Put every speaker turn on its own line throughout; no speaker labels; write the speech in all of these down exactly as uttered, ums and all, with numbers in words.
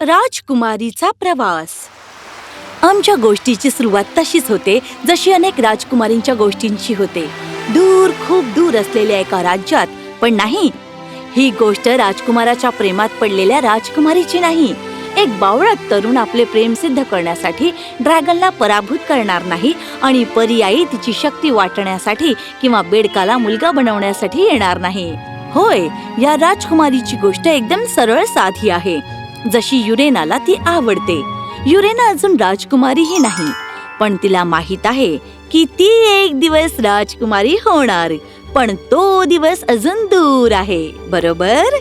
राजकुमारीचा प्रवास. आमच्या गोष्टीची सुरुवात तशीच होते जशी अनेक राजकुमारींच्या गोष्टींची होते, दूर खूप दूर असलेल्या एका राज्यात. पण नाही, ही गोष्ट राजकुमाराच्या प्रेमात पडलेल्या राजकुमारीची नाही. एक बावळट तरुण आपले प्रेम सिद्ध करण्यासाठी ड्रॅगनला पराभूत करणार नाही आणि पर्यायी तिची शक्ती वाटण्यासाठी किंवा बेडकाला मुलगा बनवण्यासाठी येणार नाही. होय, या राजकुमारीची गोष्ट एकदम सरळ साधी आहे, जशी युरेनाला ती आवडते. युरेना अजून राजकुमारीही नाही, पण तिला माहित आहे की ती एक दिवस राजकुमारी होणार. पण तो दिवस अजून दूर आहे, बरोबर?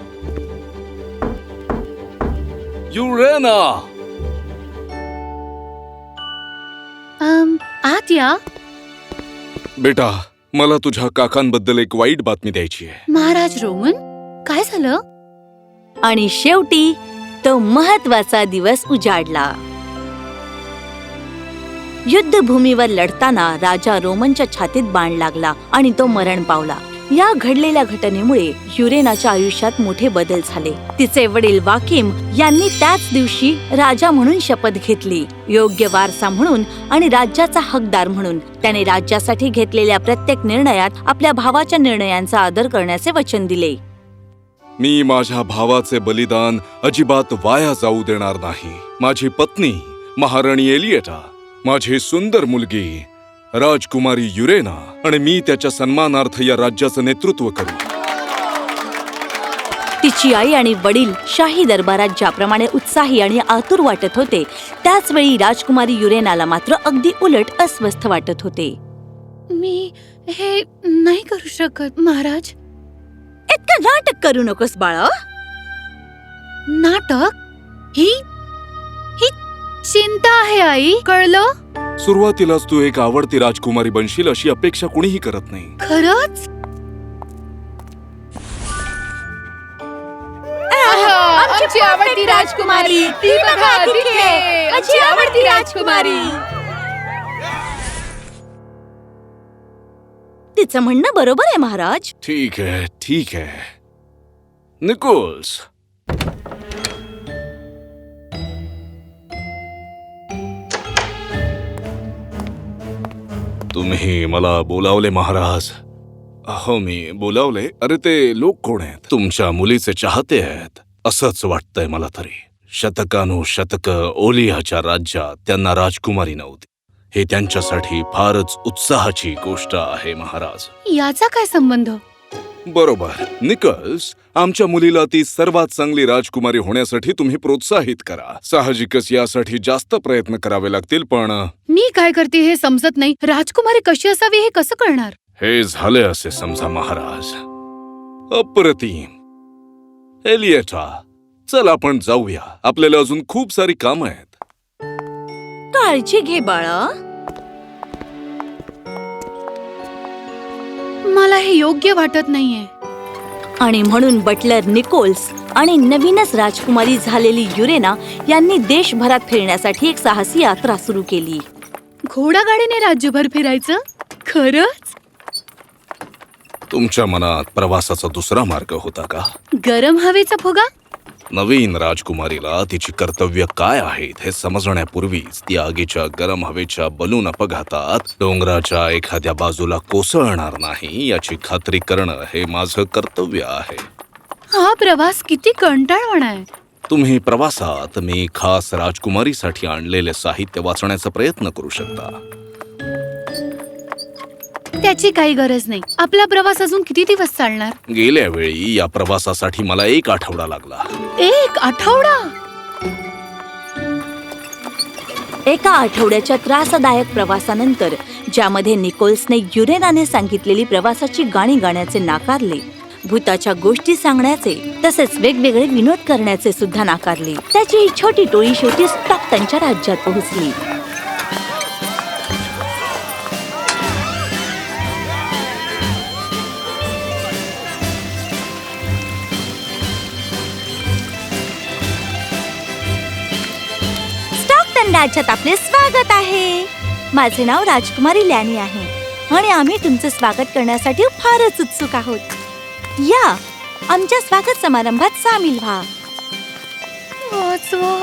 युरेना,
um, आत या.
बेटा, मला तुझ्या काकांबद्दल एक वाईट बातमी द्यायची आहे.
महाराज रोमन, काय झालं?
आणि शेवटी तो महत्वाचा दिवस उजाडला. युद्धभूमीवर लढताना राजा रोमनच्या छातीत बाण लागला आणि तो मरण पावला. या घडलेल्या घटनेमुळे युरेनाच्या आयुष्यात मोठे बदल झाले. तिचे वडील वाकिम यांनी त्याच दिवशी राजा म्हणून शपथ घेतली. योग्य वारसा म्हणून आणि राज्याचा हकदार म्हणून त्याने राज्यासाठी घेतलेल्या प्रत्येक निर्णयात आपल्या भावाच्या निर्णयांचा आदर करण्याचे वचन दिले.
मी माझ्या भावाचे बलिदान अजिबात वाया जाऊ देणार नाही. माझी पत्नी महाराणी एलिएटा, माझी सुंदर मुलगी राजकुमारी युरेना आणि मी त्याच्या सन्मानार्थ या राज्याचं नेतृत्व करू.
तिची आई आणि वडील शाही दरबारात ज्याप्रमाणे उत्साही आणि आतुर वाटत होते, त्याच वेळी राजकुमारी युरेनाला मात्र अगदी उलट अस्वस्थ वाटत होते.
मी हे नाही करू शकत महाराज.
इतकं नाटक करू नकोस बाळा.
नाटक? ही ही चिंता आहे आई, कळलं?
सुरुवातीलाच तू एक आवडती राजकुमारी बनशील अशी अपेक्षा कुणीही करत नाही.
खरंच?
आमची आवडती राजकुमारी, ती बघा तिथे, आमची आवडती राजकुमारी.
तिचं म्हणणं बरोबर आहे महाराज.
ठीक आहे, ठीक आहे. निकोल्स, तुम्ही मला बोलावले महाराज? अहो, मी बोलावले? अरे, ते लोक कोण आहेत? तुमच्या मुलीचे चाहते आहेत असंच वाटतंय मला तरी. शतकानुशतक ओलियाच्या राज्यात त्यांना राजकुमारी नव्हती. हे त्यांच्यासाठी फारच उत्साहाची गोष्ट आहे महाराज.
याचा काय संबंध?
बरोबर. निकोल्स, आमच्या मुलीला ती सर्वात चांगली राजकुमारी होण्यासाठी तुम्ही प्रोत्साहित करा. साहजिकच यासाठी जास्त प्रयत्न करावे लागतील, पण
मी काय करते हे समजत नाही. राजकुमारी कशी असावी हे कसं कळणार?
हे झाले असे समजा महाराज. अप्रतिम. एलिएटा, चल आपण जाऊया. आपल्याला अजून खूप सारी कामं आहेत.
काळजी घे बाळा.
मला हे योग्य वाटत नाहीये.
आणि म्हणून बटलर निकोल्स आणि नवीनच राजकुमारी झालेली युरेना यांनी देशभरात फिरण्यासाठी एक साहसी यात्रा सुरू केली.
घोडागाडीने राज्यभर फिरायचं? खरंच?
तुमच्या मनात प्रवासाचा दुसरा मार्ग होता का?
गरम हवेचा फुगा?
नवीन राजकुमारीला तिची कर्तव्य काय आहेत हे समजण्यापूर्वीच ती आगीच्या गरम हवेच्या बलून अपघातात डोंगराच्या एखाद्या बाजूला कोसळणार नाही याची खात्री करणं हे माझं कर्तव्य आहे.
हा प्रवास किती कंटाळवाणा आहे.
तुम्ही प्रवासात मी खास राजकुमारीसाठी आणलेले साहित्य वाचण्याचा प्रयत्न करू शकता.
त्याची काही गरज नाही. आपला प्रवास अजून किती दिवस चालणार?
गेल्या वेळी या प्रवासासाठी मला एक आठवडा लागला.
एक आठवडा?
एका आठवड्याच्या त्रासदायक प्रवासानंतर, ज्यामध्ये निकोल्सने युरेनाने सांगितलेली प्रवासाची गाणी गाण्याचे नाकारले, भूताच्या गोष्टी सांगण्याचे तसेच वेगवेगळे विनोद करण्याचे सुद्धा नाकारले, त्याची ही छोटी टोळी शेवटी स्टॉकटनच्या राज्यात पोहोचली. राज्यात आपले स्वागत आहे. माझे नाव राजकुमारी लॅनी आहे आणि आम्ही तुमचे स्वागत करण्यासाठी फारच उत्सुक आहोत. या आमच्या स्वागत समारंभात सामील व्हा.
वाचवा.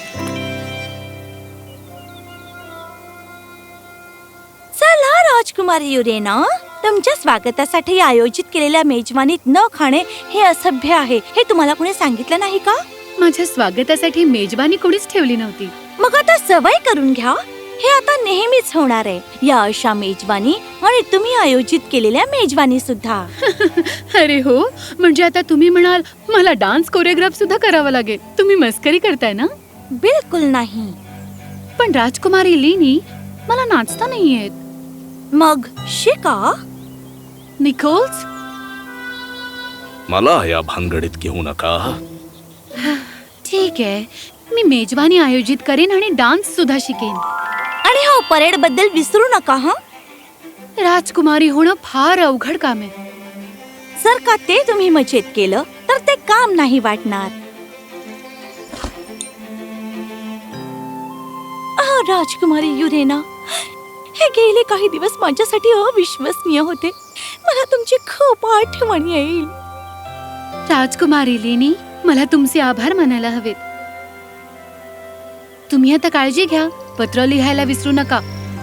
चला राजकुमारी युरेना, तुमच्या स्वागतासाठी आयोजित केलेल्या मेजवानीत न खाणे हे असभ्य आहे हे तुम्हाला कोणी सांगितलं नाही का?
माझ्या स्वागतासाठी मेजवानी कोणीच ठेवली नव्हती.
मग आता सवय करून घ्या. हे आता नेहमीच होणार आहे. या अशा मेजवानी आणि तुम्ही आयोजित केलेल्या मेजवानी सुद्धा.
अरे हो, म्हणजे आता तुम्ही म्हणाल मला डान्स कोरिओग्राफ सुद्धा करावा लागेल. तुम्ही मस्करी करताय ना?
बिलकुल नाही.
पण राजकुमारी लीनी, मला नाचता नाही येत.
मग शिका.
निकोल्स,
मला या भानगडीत घेऊ नका.
ठीक आहे, मी मेजवानी आयोजित करेन आणि डान्स सुद्धा शिकेन.
आणि हो, परेड बद्दल विसरू नका. हा,
राजकुमारी होणं फार अवघड काम आहे.
जर का ते तुम्ही मजेत केलं तर ते काम नाही वाटणार. अहो, राजकुमारी युरेना, हे गेले काही दिवस माझ्यासाठी अविश्वसनीय होते. मला तुमची खूप आठवण येईल.
राजकुमारी लीनी, मला तुमचे आभार मानायला हवेत. तुम्ही आता काळजी घ्या. पत्र लिहायला विसरू नका.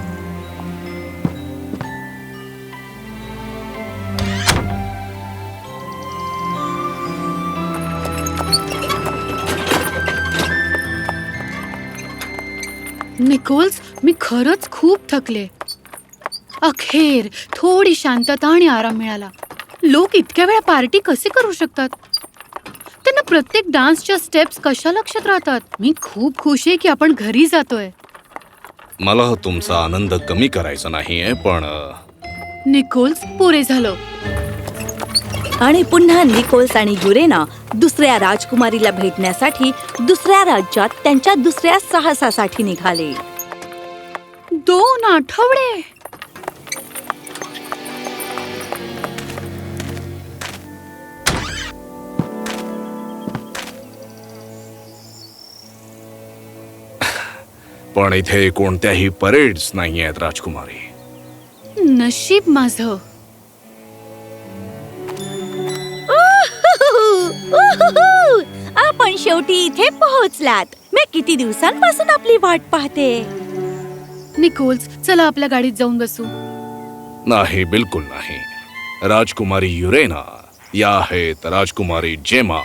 निकोल्स, मी खरंच खूप थकले. अखेर थोडी शांतता आणि आराम मिळाला. लोक इतक्या वेळा पार्टी कसे करू शकतात? त्यांना प्रत्येक डान्सच्या स्टेप्स कशा लक्षात राहतात? मी खूप खुश आहे की आपण घरी जातोय.
मला तुमचा आनंद कमी करायचा नाहीये, पण अ,
निकोल्स, पुरे झालं.
आणि पुन्हा निकोल्स आणि युरेना दुसऱ्या राजकुमारीला भेटण्यासाठी दुसऱ्या राज्यात त्यांच्या दुसऱ्या साहसासाठी निघाले.
दोन आठवडे.
पण इथे कोणत्याही परेड्स नाही आहेत राजकुमारी.
नशीब माझं.
उहुहु! आपण शेवटी इथे पोहोचलात. मी किती दिवसांपासून आपली वाट पाहते.
निकोल्स, चला आपल्या गाडीत जाऊन बसू.
नाही, बिलकुल नाही. राजकुमारी युरेना या आहेत राजकुमारी जेमा.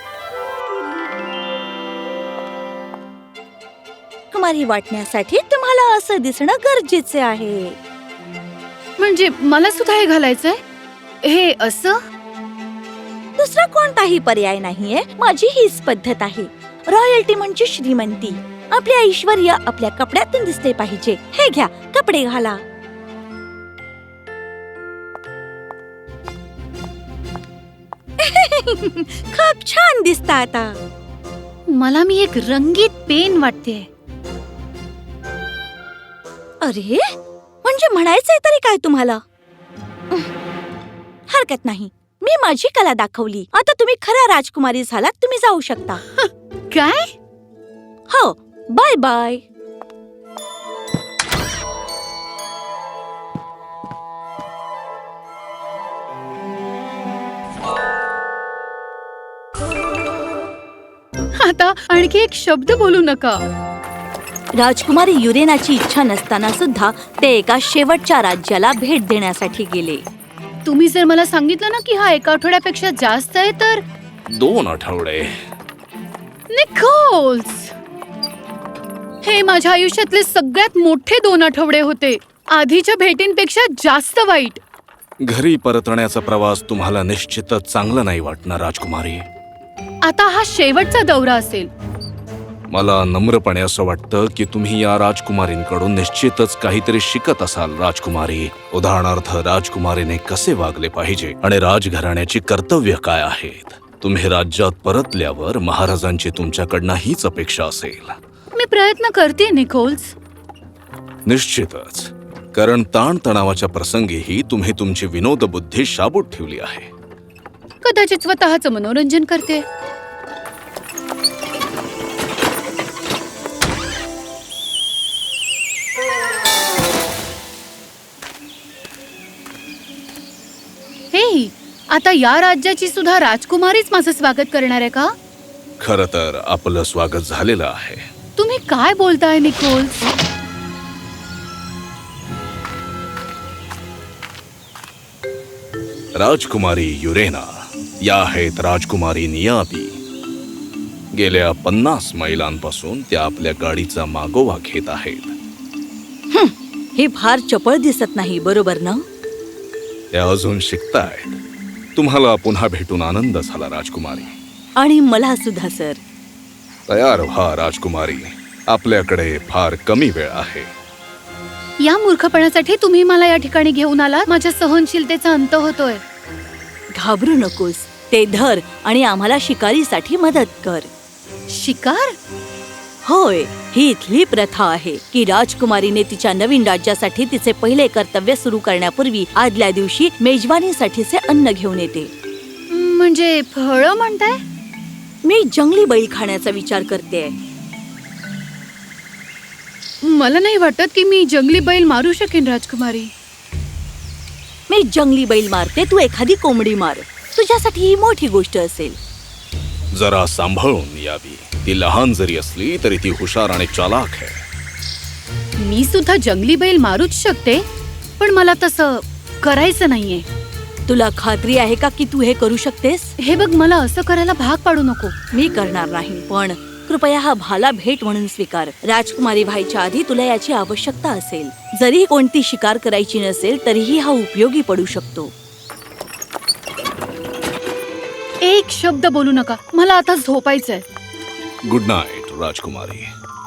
कुमारी वाटण्यासाठी तुम्हाला असं दिसणं गरजेचे आहे.
म्हणजे मला सुद्धा हे घालायचंय? हे असं?
दुसरा कोणताही पर्याय नाहीये. माझी हीच पद्धत आहे. रॉयल्टी म्हणजे श्रीमंती. आपले ऐश्वर्य आपल्या कपड्यातून दिसले पाहिजे. हे घ्या, कपडे घाला. खूप छान दिसता आता.
मला मी एक रंगीत पेन वाटते.
अरे, म्हणजे म्हणायचंय तरी काय तुम्हाला? हरकत नाही, मी माझी कला दाखवली. आता तुम्ही खऱ्या राजकुमारी झालात. तुम्ही जाऊ शकता.
काय?
हो, बाय बाय.
आता आणखी एक शब्द बोलू नका.
राजकुमारी युरेनाची इच्छा नसताना सुद्धा ते एका शेवटच्या राज्याला भेट देण्यासाठी गेले.
तुम्ही जर मला सांगितलं ना की हा एका आठवड्यापेक्षा जास्त आहे तर.
दोन आठवडे.
निकोल्स, हे माझ्या आयुष्यातले सगळ्यात मोठे दोन आठवडे होते. आधीच्या भेटींपेक्षा जास्त वाईट.
घरी परतण्याचा प्रवास तुम्हाला निश्चितच चांगला नाही वाटणार राजकुमारी.
आता हा शेवटचा दौरा असेल.
मला नम्रपणे असं वाटतं की तुम्ही या राजकुमारींकडून निश्चितच काहीतरी शिकत असाल राजकुमारी. उदाहरणार्थ, राजकुमारीने कसे वागले पाहिजे आणि राजघराण्याची कर्तव्य काय आहेत. तुम्ही राज्यात परतल्यावर महाराजांची तुमच्याकडनं हीच अपेक्षा असेल.
मी प्रयत्न करते निकोल्स.
निश्चितच, कारण ताणतणावाच्या प्रसंगीही तुम्ही तुमची विनोद बुद्धी शाबूत ठेवली आहे.
कदाचित स्वतःचं मनोरंजन करते. हे, आता या राज्याची सुद्धा राजकुमारीच माझं स्वागत करणार आहे का?
खरं तर आपलं स्वागत झालेलं आहे.
तुम्ही काय बोलताय निकोल्स?
राजकुमारी युरेना या आहेत राजकुमारी नियाबी. गेल्या पन्नास मैलांपासून त्या आपल्या गाडीचा मागोवा घेत आहेत.
हे फार चपळ दिसत नाही, बरोबर ना?
त्या अजून शिकतायत. तुम्हाला पुन्हा भेटून आनंद झाला राजकुमारी.
आणि मला सुद्धा सर.
तयार व्हा राजकुमारी, आपल्याकडे फार कमी वेळ आहे.
या मूर्खपणासाठी तुम्ही मला या ठिकाणी घेऊन आलात. माझ्या सहनशीलतेचा अंत होतोय.
घाबरू नकोस, ते धर आणि आम्हाला शिकारीसाठी मदत कर.
शिकार?
होय, ही इथली प्रथा आहे की राजकुमारीने तिच्या नवीन राज्यासाठी तिचे पहिले कर्तव्य सुरू करण्यापूर्वी आदल्या दिवशी मेजवानीसाठीचे अन्न घेऊन येते.
म्हणजे फळं म्हणताय?
मी जंगली बैल खाण्याचा विचार करते.
मला नाही वाटत की मी जंगली बैल मारू शकेन राजकुमारी.
मी जंगली बैल मारते, तू एखादी कोंबडी मार. तुझ्यासाठी ही मोठी गोष्ट असेल.
जरा सांभाळून यावी. ती लहान जरी असली तरी ती हुशार आणि चालाक आहे.
मी सुद्धा जंगली बैल मारूच शकते, पण मला तसं करायचं नाहीये.
तुला खात्री आहे का की तू हे करू शकतेस?
हे बघ, मला असं करायला भाग पाडू नको.
मी करणार नाही, पण कृपया हा भाला भेट म्हणून स्वीकार. राजकुमारी व्हायच्या आधी तुला याची आवश्यकता असेल. जरी कोणती शिकार करायची नसेल तरीही हा उपयोगी पडू शकतो.
एक शब्द बोलू नका, मला आता झोपायचंय.
गुड नाईट राजकुमारी.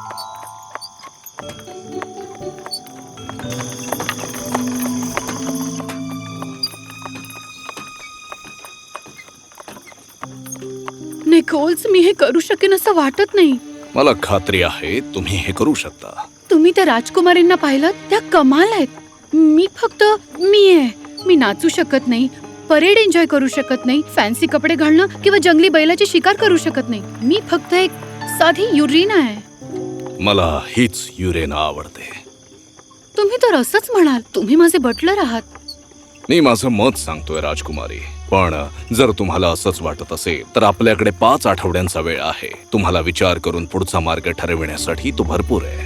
निकोल्स, मी हे करू शकेन असं वाटत नाही.
मला खात्री आहे तुम्ही हे करू शकता.
तुम्ही त्या राजकुमारींना पाहिलं? त्या कमाल आहेत. मी फक्त मी आहे. मी नाचू शकत नाही, परेड एन्जॉय करू शकत नाही, फॅन्सी कपडे घालणं किंवा जंगली बैलाची शिकार करू शकत नाही. मी फक्त एक साधी युरेना आहे.
मला हीच युरेना आवडते.
तुम्ही तर असंच म्हणाल. तुम्ही माझे बटलर आहात.
मी माझं मत सांगतोय राजकुमारी, पण जर तुम्हाला असंच वाटत असेल तर आपल्याकडे पाच आठवड्यांचा वेळ आहे. तुम्हाला विचार करून पुढचा मार्ग ठरविण्यासाठी तो भरपूर आहे.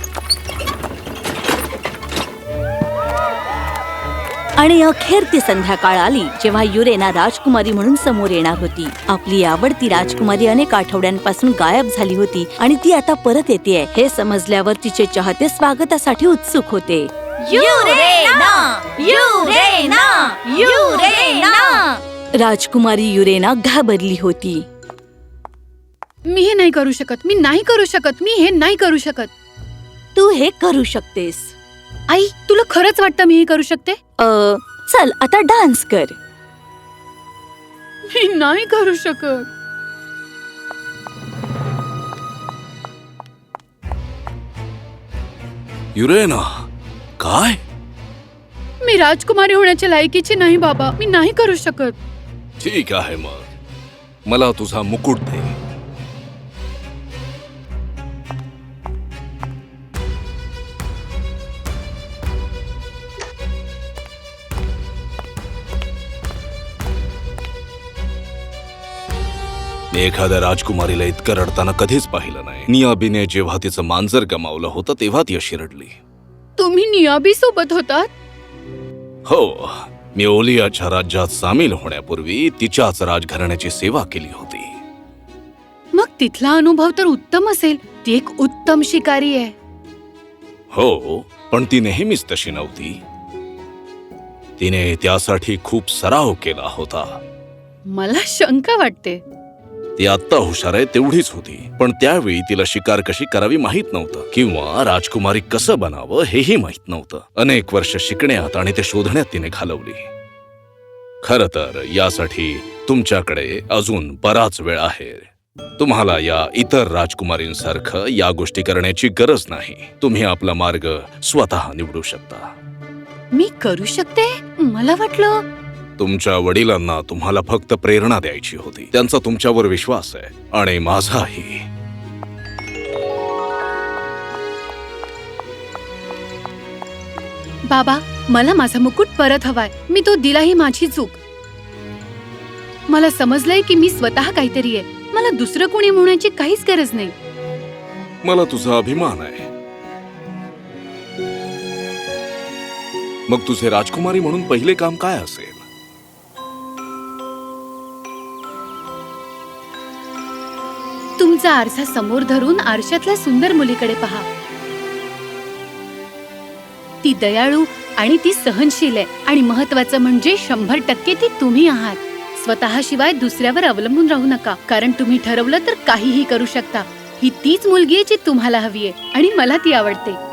आणि अखेर ती संध्याकाळ आली जेव्हा युरेना राजकुमारी म्हणून समोर येणार होती. आपली आवडती राजकुमारी अनेक आठवड्यांपासून गायब झाली होती आणि ती आता परत येतेय हे समजल्यावर तिचे चाहते स्वागतासाठी उत्सुक होते. युरेना! युरेना! युरेना! राजकुमारी युरेना घाबरली होती.
मी हे नाही करू शकत. मी नाही करू शकत. मी हे नाही करू शकत.
तू हे करू शकतेस.
आई, तुला खरंच वाटतं मी हे करू शकते?
अ, चल आता डान्स कर.
मी नाही करू शकत.
युरेना, काय?
मी राजकुमारी होण्याच्या लायकीची नाही बाबा. मी नाही करू शकत.
ठीक आहे, मग मला तुझा मुकुट दे. मी एखाद्या राजकुमारीला इतकं रडताना कधीच पाहिलं नाही. नियाबीने जेव्हा तिचं मांजर गमावलं होतं तेव्हा ती अशी रडली.
तुम्ही नियाबी सोबत होतात?
हो, मी ओलियाच्या राज्यात सामील होण्यापूर्वी तिच्याच राजघराण्याची सेवा केली होती.
मग तिथला अनुभव तर उत्तम असेल. ती एक उत्तम शिकारी आहे.
हो, पण ती नेहमीच तशी नव्हती. तिने त्यासाठी खूप सराव केला होता.
मला शंका वाटते.
ती आत्ता हुशार आहे तेवढीच होती, पण त्यावेळी तिला शिकार कशी करावी माहित नव्हतं किंवा राजकुमारी कसं बनावं हेही माहित नव्हतं. अनेक वर्ष शिकण्यात आणि ते शोधण्यात तिने घालवली. खरं तर यासाठी तुमच्याकडे अजून बराच वेळ आहे. तुम्हाला या इतर राजकुमारींसारखं या गोष्टी करण्याची गरज नाही. तुम्ही आपला मार्ग स्वतः निवडू शकता.
मी करू शकते? मला वाटलं
तुमच्या वडिलांना तुम्हाला फक्त प्रेरणा द्यायची होती. त्यांचा तुमच्यावर विश्वास आहे आणि माझाही.
बाबा, मला माझा मुकुट परत हवाय. मी तो दिला ही माझी चूक. मला समजलंय की मी स्वतः काहीतरी आहे. मला दुसरं कोणी म्हणण्याची काहीच गरज नाही.
मला तुझा अभिमान आहे. मग तुझे राजकुमारी म्हणून पहिले काम काय असेल?
तुमचा आरसा समोर धरून आरशातल्या सुंदर मुलीकडे पहा. ती दयाळू आणि ती सहनशील आहे आणि महत्वाचं म्हणजे शंभर टक्के ती तुम्ही आहात. स्वतःशिवाय दुसऱ्यावर अवलंबून राहू नका, कारण तुम्ही ठरवलं तर काहीही करू शकता. ही तीच मुलगी आहे जी तुम्हाला हवी आहे आणि मला ती आवडते.